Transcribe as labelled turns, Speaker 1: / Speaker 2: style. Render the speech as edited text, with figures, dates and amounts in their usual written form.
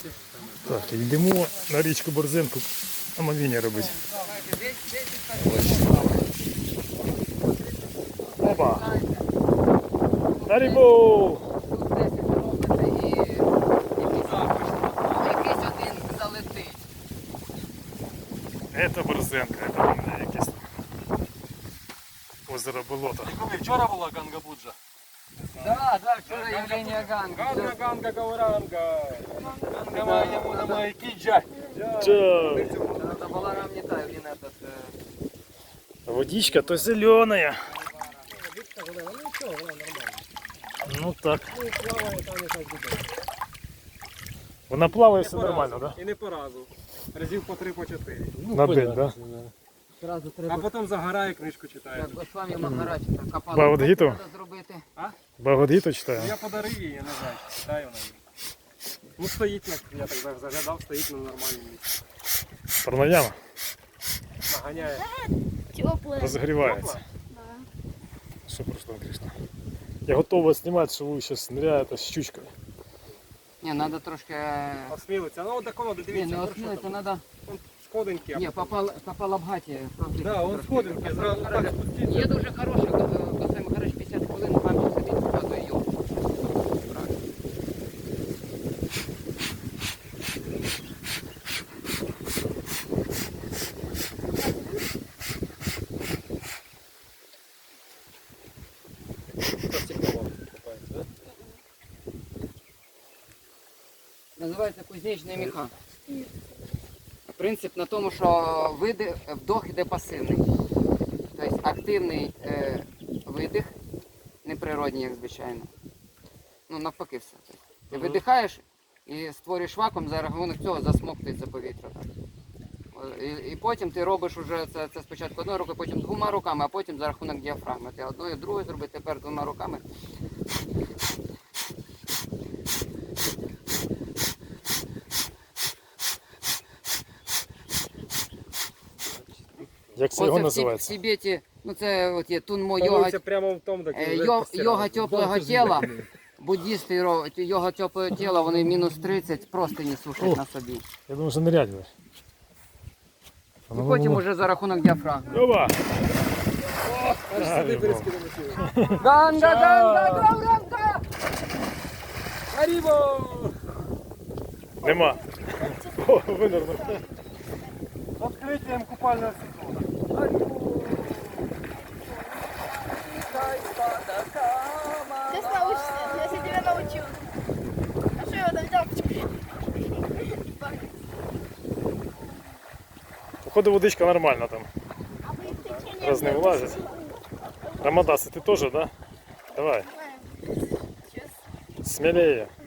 Speaker 1: Так, йдемо на річку Борзенку омовіння робити. Опа! На рибу!
Speaker 2: Якийсь один залетить.
Speaker 1: Это Борзенка, это у мене якесь озеро болото.
Speaker 3: Вчора була Ганга-Буджа.
Speaker 2: Да, вчора Євгенія Ганга.
Speaker 3: Ганга, Гауранга. Ганга має кіджа.
Speaker 1: Чо?
Speaker 2: Это была равнита, блин, этот...
Speaker 1: Водичка то зеленая. Ну так. Вона плаває, все нормально, так?
Speaker 3: І не по разу. Разів по 3, по 4.
Speaker 1: На день, так?
Speaker 2: Сразу
Speaker 3: А
Speaker 2: треба...
Speaker 3: потім загорає, книжку читає.
Speaker 2: Як Госвамі Махарадж там копали.
Speaker 1: Бхагавад-гіту?
Speaker 2: Треба зробити.
Speaker 1: Бхагавад-гіту читаю.
Speaker 3: Я подарив її, я не знаю, читаю вона її. Ну стоїть, я так заглядав, стоїть на нормальному місці.
Speaker 1: Пранаяма
Speaker 3: Наганяє.
Speaker 4: Теплое.
Speaker 1: розігрівається. Що пройшло, Кришна? Я готовий знімати, що ви зараз ныряєте з щучкою.
Speaker 2: Ні, треба трошки...
Speaker 3: Осмілиться. Ну от так воно,
Speaker 2: Ні,
Speaker 3: дивіться.
Speaker 2: не осмілити, треба...
Speaker 3: Сходинки.
Speaker 2: Ні, по Палабгаті.
Speaker 3: Да, он сходинки, зразу так спуститься.
Speaker 2: Є дуже хороший, Госвамі Махарадж 50 хвилин, вам сидить, показує його. Називається кузнечний міха. Принцип на тому, що вдох іде пасивний. Тобто активний видих, неприродній, як звичайно. Ну навпаки все. Тобто, ти видихаєш і створюєш вакуум, за рахунок цього засмоктується повітря. Так. І потім ти робиш уже це спочатку одною рукою, потім двома руками, а потім за рахунок діафрагми. Ти одною, другою зробити, тепер двома руками.
Speaker 1: Як це його
Speaker 2: Оце в
Speaker 1: називається?
Speaker 2: Тибеті, ну це от є тунмо йога,
Speaker 3: Становиться прямо в тому, так
Speaker 2: йога теплого тіла. Буддісти йога теплого тіла, вони мінус 30 просто не сушать на собі.
Speaker 1: Я думаю, що нырять будеш.
Speaker 2: І потім уже за рахунок діафрагми.
Speaker 1: Опа!
Speaker 3: Сюди перескидемо тіло.
Speaker 2: Ганга, ганга, ганга!
Speaker 3: Аріво!
Speaker 1: Нема. О, винырнув.
Speaker 3: З відкриттям купального сезону.
Speaker 4: Сейчас научишься, я тебя научу. А что я там взял?
Speaker 1: Походу водичка нормальна там.
Speaker 4: А вы в течение
Speaker 1: Раз не влазить. Рамадас, ты тоже, да? Давай,
Speaker 4: Сейчас.
Speaker 1: смелее.